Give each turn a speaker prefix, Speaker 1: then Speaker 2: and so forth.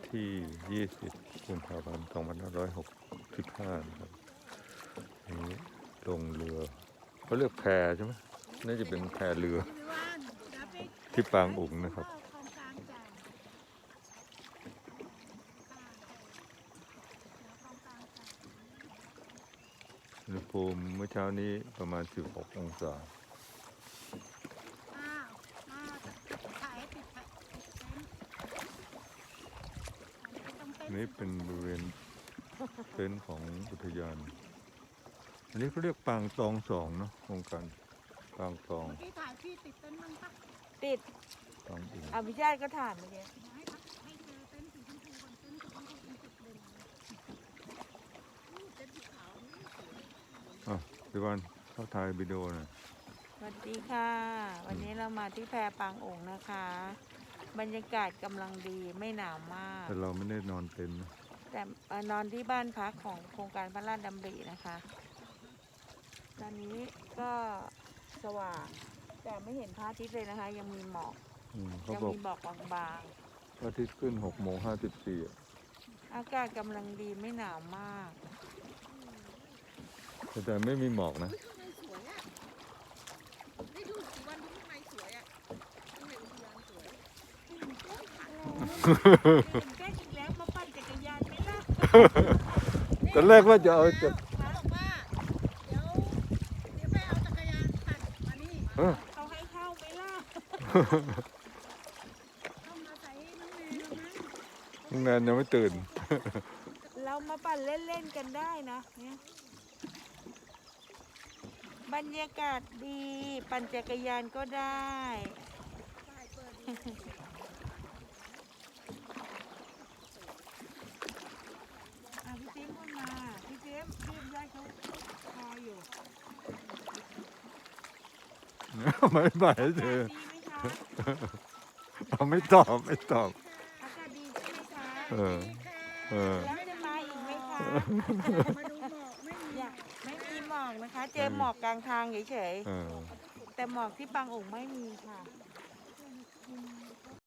Speaker 1: ที่ 20 กุมภาพันธ์ 2565 นะครับนี่ลงเรือเขาเรียกแพใช่ไหมน่าจะเป็นแพเรือที่ปางอุ๋งนะครับอุณหภูมิเมื่อเช้านี้ประมาณ 16 องศานี่เป็นบริเวณเต็นท์ของอุทยานอันนี้เขาเรียกปางตองสองเนาะโครงการปางตอง
Speaker 2: ที่ถ่ายพี่ติดเต็นท์มั้งปะ
Speaker 3: ติด
Speaker 1: ปางอุ๋ง
Speaker 3: อภิชาติก็ถามเมื่อกี้
Speaker 2: ให้เจอเต็นท์สีชมพูก่อนเต็นท์สีชมพูเป็นจุดเด่นเต็นท์สีขาวนี่สวย
Speaker 1: พี่วันเข้าถ่ายวิดีโอหน่อย
Speaker 3: สวัสดีค่ะ วันนี้เรามาที่แพปางโองค์นะคะ บรรยากาศกำลังดีไม่หนาวมาก
Speaker 1: แต่เราไม่ได้นอนเต็นท์นะ
Speaker 3: แต่นอนที่บ้านพักของโครงการพระราชดำรินะคะ ตอนนี้ก็สว่างแต่ไม่เห็นพระอาทิตย์เลยนะคะ ยังมีหมอก
Speaker 1: เขา
Speaker 3: ยัง
Speaker 1: บอก
Speaker 3: มีหมอกบาง
Speaker 1: พระอาทิตย์ขึ้น6:54
Speaker 3: ๆอากาศกำลังดีไม่หนาวมาก
Speaker 1: แต่ไม่มีหมอกนะ
Speaker 2: ข้างในสวยอ่ะได้ดูกี่วันดูข้างในสวยอ่ะข้างในอุทยานสวย
Speaker 3: แก้อีกแล้วมาปั่นจักรยานไหมล่ะ
Speaker 1: ตอนแรกว่าจะเอาจาก
Speaker 2: เขาบอกว่าเดี๋ยวไปเอาจักรยานปั่นมานี่
Speaker 3: เขาให้เข้าไหมล่ะ
Speaker 2: เข้ามาใส่น้องแนนแล้วมั้ง
Speaker 1: โรงแรมยังไม่ตื่น
Speaker 3: เรามาปั่นเล่นๆกันได้นะเนี่ยบรรยากาศดีปั่นจักรยานก็ได้
Speaker 2: ป้ายเปิดดู
Speaker 3: พี่เจมส์ก็มาพี่เจมส์พี่ยายเขาคอยอยู่
Speaker 1: ไม่ไหว
Speaker 3: อา
Speaker 1: เธ
Speaker 3: กา
Speaker 1: อ
Speaker 3: ศดีไหมคะ
Speaker 1: เอาไม่ตอบไม่ตอบ
Speaker 3: อากาศดีใช่ไหมคะ
Speaker 1: เออ เออ
Speaker 3: แล้วจะมาอีกไหมคะ
Speaker 2: มาดูหมอกไม่มี
Speaker 3: อยากไม่มีหมอกนะคะ เจอหมอกกลางทางเฉย
Speaker 1: เออ
Speaker 3: ๆแต่หมอกที่ปางโองค์ไม่มีค่ะ